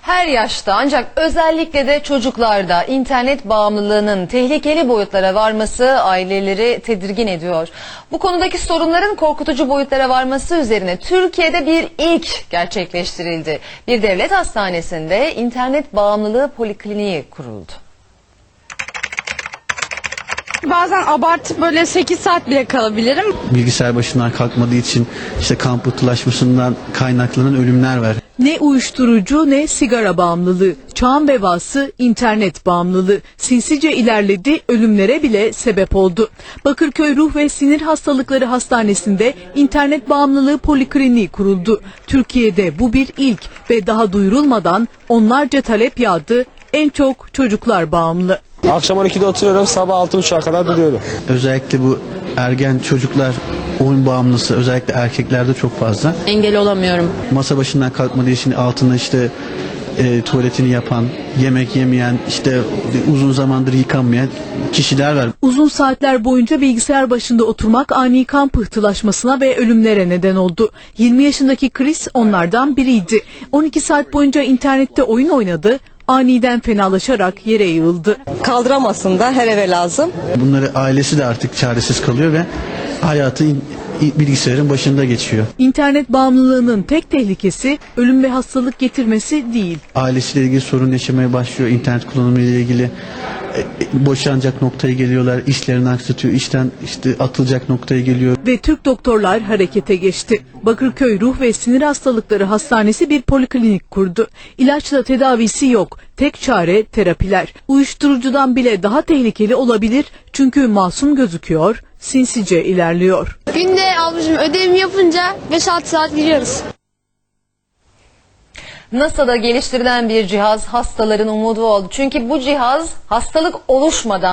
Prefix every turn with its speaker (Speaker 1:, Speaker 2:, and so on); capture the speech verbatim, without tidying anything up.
Speaker 1: Her yaşta ancak özellikle de çocuklarda internet bağımlılığının tehlikeli boyutlara varması aileleri tedirgin ediyor. Bu konudaki sorunların korkutucu boyutlara varması üzerine Türkiye'de bir ilk gerçekleştirildi. Bir devlet hastanesinde internet bağımlılığı polikliniği kuruldu.
Speaker 2: Bazen abartıp böyle sekiz saat bile kalabilirim.
Speaker 3: Bilgisayar başından kalkmadığı için işte kan pıhtılaşmasından kaynaklanan ölümler var.
Speaker 4: Ne uyuşturucu ne sigara bağımlılığı, çağın vebası internet bağımlılığı sinsice ilerledi, ölümlere bile sebep oldu. Bakırköy Ruh ve Sinir Hastalıkları Hastanesi'nde internet bağımlılığı polikliniği kuruldu. Türkiye'de bu bir ilk ve daha duyurulmadan onlarca talep yağdı, en çok çocuklar bağımlı.
Speaker 5: Akşam on ikide oturuyorum, sabah altı buçuğa kadar duruyorum.
Speaker 3: Özellikle bu ergen çocuklar oyun bağımlısı, özellikle erkeklerde çok fazla.
Speaker 2: Engel olamıyorum.
Speaker 3: Masa başından kalkmadığı için altında işte e, tuvaletini yapan, yemek yemeyen, işte uzun zamandır yıkanmayan kişiler var.
Speaker 4: Uzun saatler boyunca bilgisayar başında oturmak ani kan pıhtılaşmasına ve ölümlere neden oldu. yirmi yaşındaki Chris onlardan biriydi. on iki saat boyunca internette oyun oynadı, aniden fenalaşarak yere yığıldı.
Speaker 6: Kaldıramazsın da, her eve lazım.
Speaker 3: Bunları ailesi de artık çaresiz kalıyor ve hayatı in- bilgisayarın başında geçiyor.
Speaker 4: İnternet bağımlılığının tek tehlikesi ölüm ve hastalık getirmesi değil.
Speaker 3: Ailesiyle ilgili sorun yaşamaya başlıyor. İnternet kullanımı ile ilgili e, e, boşanacak noktaya geliyorlar. İşlerini aksatıyor. İşten işte atılacak noktaya geliyor.
Speaker 4: Ve Türk doktorlar harekete geçti. Bakırköy Ruh ve Sinir Hastalıkları Hastanesi bir poliklinik kurdu. İlaçla tedavisi yok. Tek çare terapiler. Uyuşturucudan bile daha tehlikeli olabilir çünkü masum gözüküyor, sinsice ilerliyor.
Speaker 2: Günde ablacığım ödevimi yapınca beş altı saat giriyoruz.
Speaker 1: NASA'da geliştirilen bir cihaz hastaların umudu oldu. Çünkü bu cihaz hastalık oluşmadan